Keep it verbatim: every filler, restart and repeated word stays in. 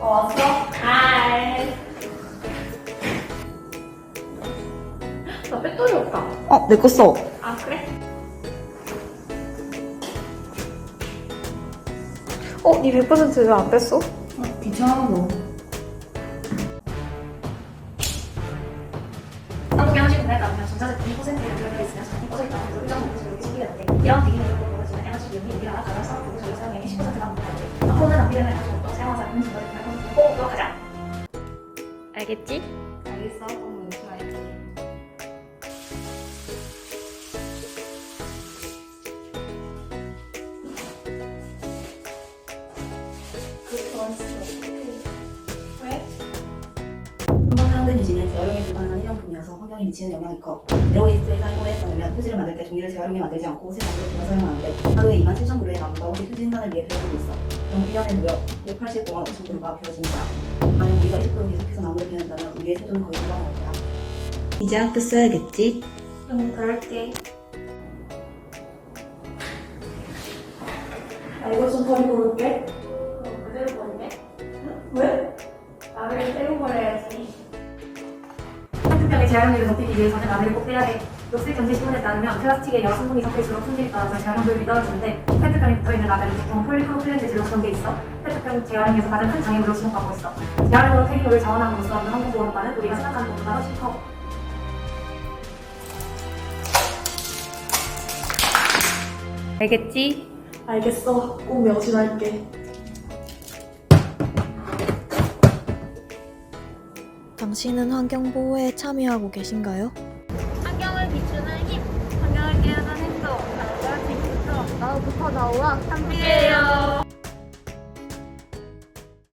왔어? 하이. 나 배터리 없다. 어, 내 거 써. 아, 그래? 어, 니 백 퍼센트 왜 안 뺐어? 어, 귀찮아, 너. 한국에 한 시간 내가 그냥 전자제품 이 퍼센트에 연결되어 있으면 전이 꺼져 있다고 해서 일정 부분 저렇게 소비되는데 이런 기기적으로 보여지는 에너지 비용이 우리가 가장 부분 저희 사용량의 십 퍼센트가 넘는다는데 앞으로는 낭비되는 에너지 없도록 사용하자 하는 전자제품을 컨셉으로 꼭 기억하자. 알겠지? 알겠어. 그럼 열심히 할게. 왜? 한번 사용된 유지는 재활용이 불가능한 일회용품이어서 환경에 미치는 영향이 커. 제로웨이스트의 사용에 따르면 휴지를 만들 때 종이를 재활용해 만들지 않고 새 만들어서 사용하는데 하루에 이만 칠천 그루의 나무가 우리 휴지 생산을 위해 배우고 있어. 그럼 일 년에 무려 백팔십 공원 오천 그루가 비워진다. 만약 우리가 이십 그루 계속해서 나무를 베낸다면 우리의 세조는 거의 불가능할 거야. 이제 학교 써야겠지? 응, 그럴게. 나 이거 좀 버리고 올게. 그럼 그대로 버리네? 응? 왜? 나를 떼고 버려야지. 플라스틱병의 재활용률을 높이기 위해서는 라벨을 꼭 떼야 돼. 녹색 전지 시문에 따르면 플라스틱에 여러 성분이 섞일수록 품질이 떨어져 재활용률이 떨어지는데 페트병에 붙어있는 라벨은 보통 폴리프로필렌 재질로 구성돼 있어. 페트병 재활용에서 가장 큰 장애물로 지목받고 있어. 재활용으로 폐기물을 자원함으로써 얻는 환경보호효과는 우리가 생각하는 것보다 훨씬 커. 알겠지? 알겠어. 꼭 명심할게. 당신은 환경보호에 참여하고 계신가요? 환경을 비추는 힘, 환경을 깨우는 행동, 나부터 나우와 함께